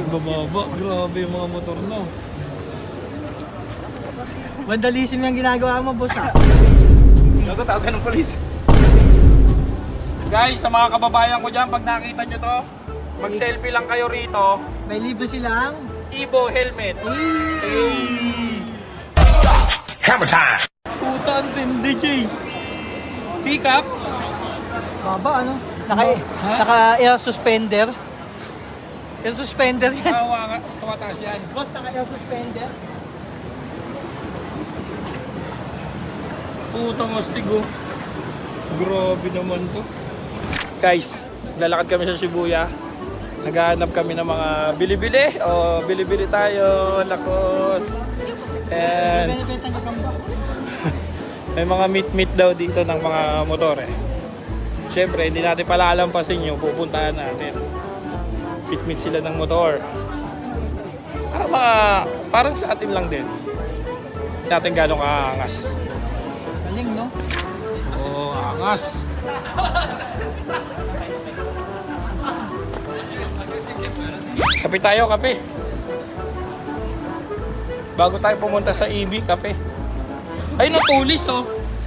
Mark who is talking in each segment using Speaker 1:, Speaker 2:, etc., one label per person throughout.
Speaker 1: Bababa, grabe yung mga motor no.
Speaker 2: Vandalism yung ginagawa mo, boss, ha?
Speaker 1: Gago, tawagan ng polis. Guys, sa mga kababayan ko dyan, pag nakita nyo to, mag-selfie lang kayo rito.
Speaker 2: May libre silang
Speaker 1: Evo helmet.
Speaker 3: Hammer time!
Speaker 1: Puta, ang tindi, Jay. Pick up?
Speaker 2: baba, ano? Naka-air suspender. Air suspender yan.
Speaker 1: Tumataas yan.
Speaker 2: Boss, naka-air suspender.
Speaker 1: Putang astig oh. Grabe naman to. Guys, lalakad kami sa Shibuya. Naghahanap kami ng mga bili-bili. O, bili-bili tayo. Lakos. And may mga meet-meet daw dito ng mga motor eh. Siyempre, hindi natin palalampasin nyo. Pupuntahan natin. Meet-meet sila ng motor. Parang sa atin lang din. Hindi natin gano'ng kaangas.
Speaker 2: Galing, no?
Speaker 1: Oo, angas. Kape tayo, kape. Bago tayo pumunta sa EB, kape. Ay, natulis oh.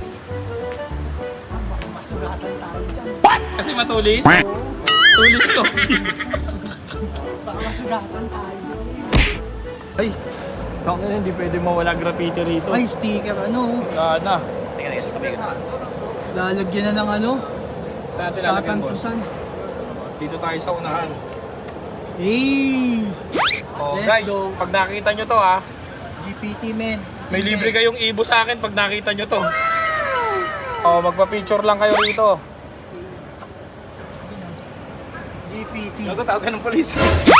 Speaker 1: What? Kasi matulis? Tulis to.
Speaker 2: Baka masugatan tayo.
Speaker 1: Ay, hindi pwede mawala graffiti rito.
Speaker 2: Ay, sticker, ano?
Speaker 1: Sana.
Speaker 2: Lalagyan na ng ano?
Speaker 1: Saan natin lalagyan, boss?
Speaker 2: Tatantusan.
Speaker 1: Dito tayo sa unahan.
Speaker 2: Hey!
Speaker 1: Oh,
Speaker 2: Let's
Speaker 1: guys,
Speaker 2: go.
Speaker 1: pag nakita nyo to ha,
Speaker 2: GPT, men.
Speaker 1: may libre kayong Evo sa akin pag nakita nyo to. Oh, magpa-picture lang kayo rito.
Speaker 2: GPT.
Speaker 1: Gago, tawagan ng polis.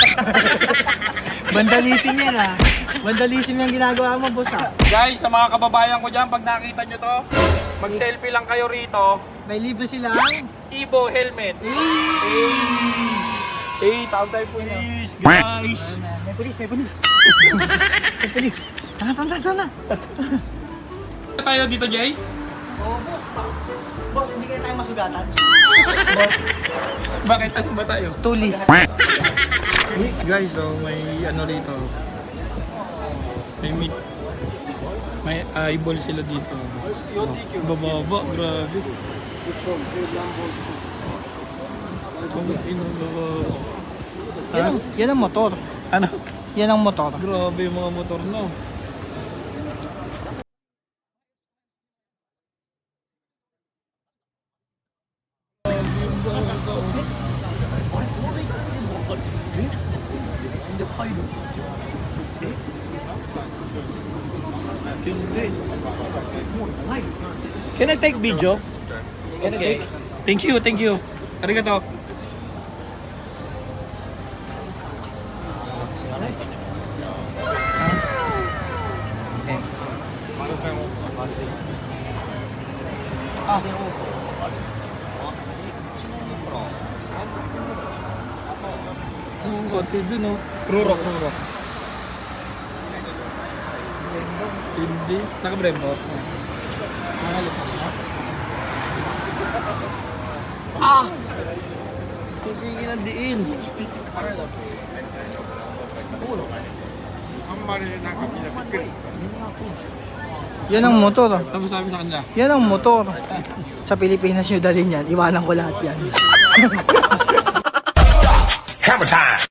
Speaker 2: Vandalism yan, ha? Vandalism yung ginagawa mo, boss, ha?
Speaker 1: Guys, sa mga kababayan ko dyan, pag nakita nyo to, mag-selfie lang kayo rito.
Speaker 2: May libre silang
Speaker 1: Evo helmet. Tawag tayo polis. Guys.
Speaker 2: May pulis, may pulis. May pulis. Tana.
Speaker 1: Tayo dito, Jay?
Speaker 2: Oo, boss. Boss, hindi kaya tayo masugatan.
Speaker 1: Bakit? Asan ba tayo?
Speaker 2: Tulis.
Speaker 1: Guys, so may ano rito. May meat. May eyeball sila dito. Bababa, grabe.
Speaker 2: Yan ang motor.
Speaker 1: Ano?
Speaker 2: Yan ang motor.
Speaker 1: Grabe yung mga motor no. Can I take video? Can I take? Thank you. Arigato. Ang konti dun oh. Rurok. Hindi. Naka-brembo. Tigigin ang diin.
Speaker 2: Yan ang motor.
Speaker 1: Tapos sabi sa kanya.
Speaker 2: Yan ang motor. Sa Pilipinas nyo dalhin yan. Iwanan ko lahat yan.
Speaker 3: Hammer time!